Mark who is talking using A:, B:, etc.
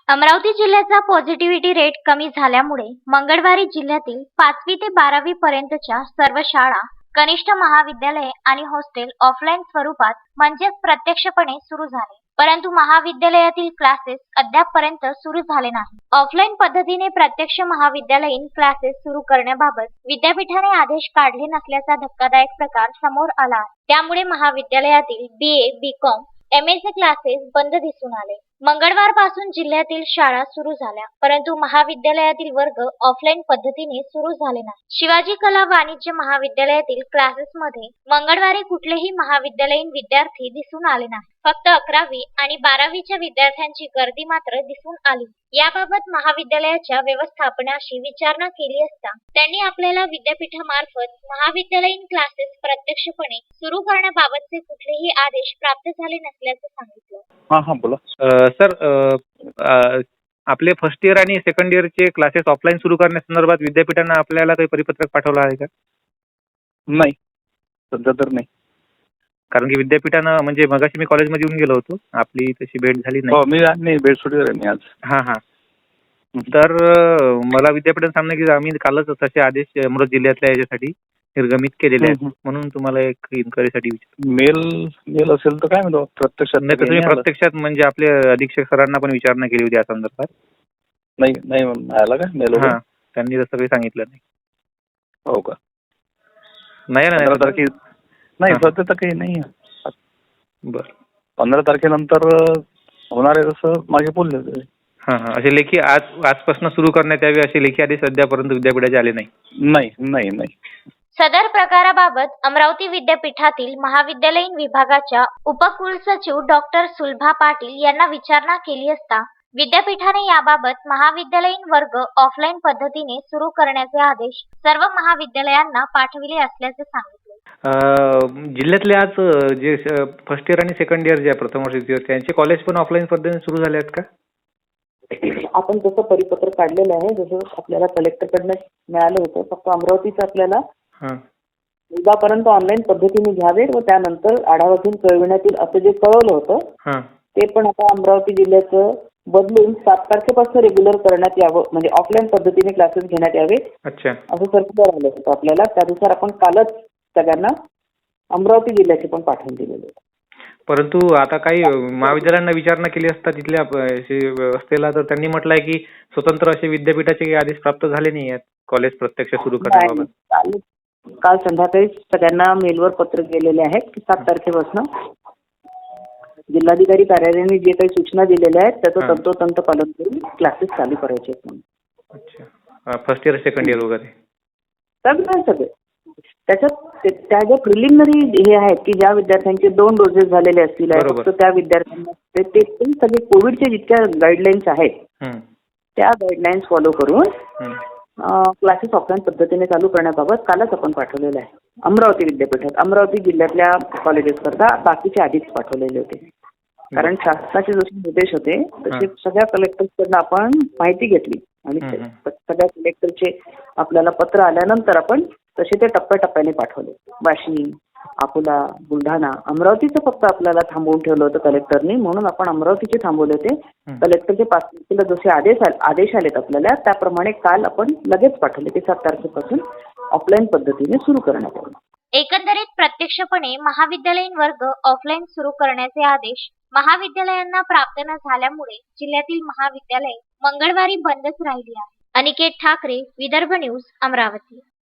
A: अमरावती जिल्ह्याचा positivity rate कमी झाल्यामुळे मंगळवारी जिल्ह्यातील 5वी ते 12वी पर्यंतच्या सर्व शाळा, कनिष्ठ महाविद्यालये आणि हॉस्टेल ऑफलाईन स्वरूपात म्हणजेच प्रत्यक्षपणे सुरू झाले. परंतु महाविद्यालयातील क्लासेस अद्यापपर्यंत सुरू झाले नाही. ऑफलाईन पद्धतीने प्रत्यक्ष महाविद्यालयीन क्लासेस सुरू करण्याबाबत विद्यापीठाने आदेश काढले नसल्याचा धक्कादायक प्रकार समोर आला आहे. त्यामुळे महाविद्यालयातील BA, BCom, MAचे क्लासेस बंद दिसून आले. मंगळवारपासून जिल्ह्यातील शाळा सुरू झाल्या, परंतु महाविद्यालयातील वर्ग ऑफलाईन पद्धतीने सुरू झाले नाही. शिवाजी कला वाणिज्य महाविद्यालयातील क्लासेसमध्ये मंगळवारी कुठलेही महाविद्यालयीन विद्यार्थी दिसून आले नाही. फक्त 11वी आणि 12वीच्या विद्यार्थ्यांची गर्दी मात्र दिसून आली. याबाबत महाविद्यालयाच्या व्यवस्थापनाशी विचारणा केली असता त्यांनी आपल्याला विद्यापीठामार्फत महाविद्यालयीन क्लासेस प्रत्यक्षपणे सुरू करण्याबाबतचे कुठलेही आदेश प्राप्त झाले नसल्याचं सांगितलं.
B: हा बोला. सर, आपले फर्स्ट इयर आणि सेकंड इयरचे क्लासेस ऑफलाईन सुरू करण्यासंदर्भात विद्यापीठानं आपल्याला काही परिपत्रक पाठवलं आहे का?
C: नाही, सध्या तर नाही.
B: कारण की विद्यापीठानं म्हणजे मगाशी मी कॉलेजमध्ये येऊन गेलो होतो, आपली तशी भेट झाली
C: हो,
B: नाही.
C: मी बेडसुटीवर आहे मी आज.
B: हा. तर मला विद्यापीठानं सांगणं की आम्ही कालच तसे आदेश अमरावती जिल्ह्यातल्या याच्यासाठी निर्गमित केलेले आहेत. म्हणून तुम्हाला एक इन्क्वायरीसाठी विचार.
C: मेल असेल तर काय म्हणतो प्रत्यक्षात
B: नाही तर तुम्ही प्रत्यक्षात म्हणजे आपले अधीक्षक सरांना पण विचारणा केली होती या संदर्भात?
C: नाही आला का मेल?
B: हा, त्यांनी तसं काही सांगितलं नाही.
C: हो का?
B: नाही
C: 15 तारखे नाही, सध्या तर काही नाही.
B: बरं,
C: 15 तारखेनंतर होणार आहे असं मागे बोलले होते.
B: हा. असे लेखी आजपासून सुरू करण्यात यावे असे लेखी आदेश सध्यापर्यंत विद्यापीठाचे आले नाही.
C: नाही.
A: सदर प्रकाराबाबत अमरावती विद्यापीठातील महाविद्यालयीन विभागाच्या उपकुलसचिव डॉक्टर सुलभा पाटील यांना विचारणा केली असता विद्यापीठाने याबाबत महाविद्यालयीन वर्ग ऑफलाईन पद्धतीने सुरू करण्याचे आदेश सर्व महाविद्यालयांना पाठविले असल्याचे सांगितले.
B: जिल्ह्यातले आज जे फर्स्ट इयर आणि सेकंड इयर जे आहे, प्रथम वर्ष, त्यांचे कॉलेज पण ऑफलाईन पद्धतीने सुरू झाले आहेत का?
D: आपण जसं परिपत्र काढलेलं आहे, जसं आपल्याला कलेक्टरकडनं मिळालं होतं, फक्त अमरावतीचं आपल्याला उद्यापर्यंत ऑनलाईन पद्धतीने घ्यावे व त्यानंतर आढावा घेऊन कळविण्यात येईल असं जे कळवलं होतं ते पण आता अमरावती जिल्ह्याचं बदलून 7 तारखेपासून रेग्युलर करण्यात यावं, म्हणजे ऑफलाईन पद्धतीने क्लासेस घेण्यात यावे असं सर्क्युलर आलं होतं आपल्याला. त्यानुसार आपण कालच सगळ्यांना अमरावती जिल्ह्याचे पण पाठवून दिलेले होते.
B: परंतु आता काही महाविद्यालयांना विचारणा केली असता तिथल्या व्यवस्थेला, तर त्यांनी म्हटलंय की स्वतंत्र असे विद्यापीठाचे काही आदेश प्राप्त झाले नाही आहेत कॉलेज प्रत्यक्ष सुरू करण्याबाबत.
D: काल संध्याकाळी सगळ्यांना मेलवर पत्र गेलेले आहेत की 7 तारखेपासून जिल्हाधिकारी कार्यालयाने जे काही सूचना दिलेल्या आहेत त्याचं तंतोतंत पालन करून क्लासेस चालू करायचे आहेत.
B: अच्छा, फर्स्ट इयर सेकंड इयर वगैरे
D: सगळे त्याच्यात त्या ज्या प्रिलिमिनरी हे आहेत की ज्या विद्यार्थ्यांचे 2 डोसेस झालेले असतील फक्त त्या विद्यार्थ्यांना ते सगळे कोविडचे जितक्या गाईडलाईन्स आहेत त्या गाईडलाईन्स फॉलो करून क्लासेस ऑफलाईन पद्धतीने चालू करण्याबाबत कालच आपण पाठवलेलं आहे अमरावती विद्यापीठात. अमरावती जिल्ह्यातल्या कॉलेजेस करता बाकीचे आधीच पाठवलेले होते. कारण शासनाचे जसे निर्देश होते तसे सगळ्या कलेक्टर्सकडनं आपण माहिती घेतली आणि सगळ्या कलेक्टरचे आपल्याला पत्र आल्यानंतर आपण तसे ते टप्प्याटप्प्याने पाठवले. वाशिम, अकोला, बुलढाणा, अमरावतीचं फक्त आपल्याला थांबवून ठेवलं होतं कलेक्टरनी, म्हणून आपण अमरावतीचे थांबवले होते. कलेक्टरचे 5 तारखेला जसे आदेश आलेत आपल्याला त्याप्रमाणे काल आपण लगेच पाठवले की 7 तारखेपासून ऑफलाईन पद्धतीने सुरू करण्यात आले.
A: एकंदरीत प्रत्यक्षपणे महाविद्यालयीन वर्ग ऑफलाईन सुरू करण्याचे आदेश महाविद्यालयांना प्राप्त न झाल्यामुळे जिल्ह्यातील महाविद्यालये मंगळवारी बंदच राहिली आहे. अनिकेत ठाकरे, विदर्भ न्यूज, अमरावती.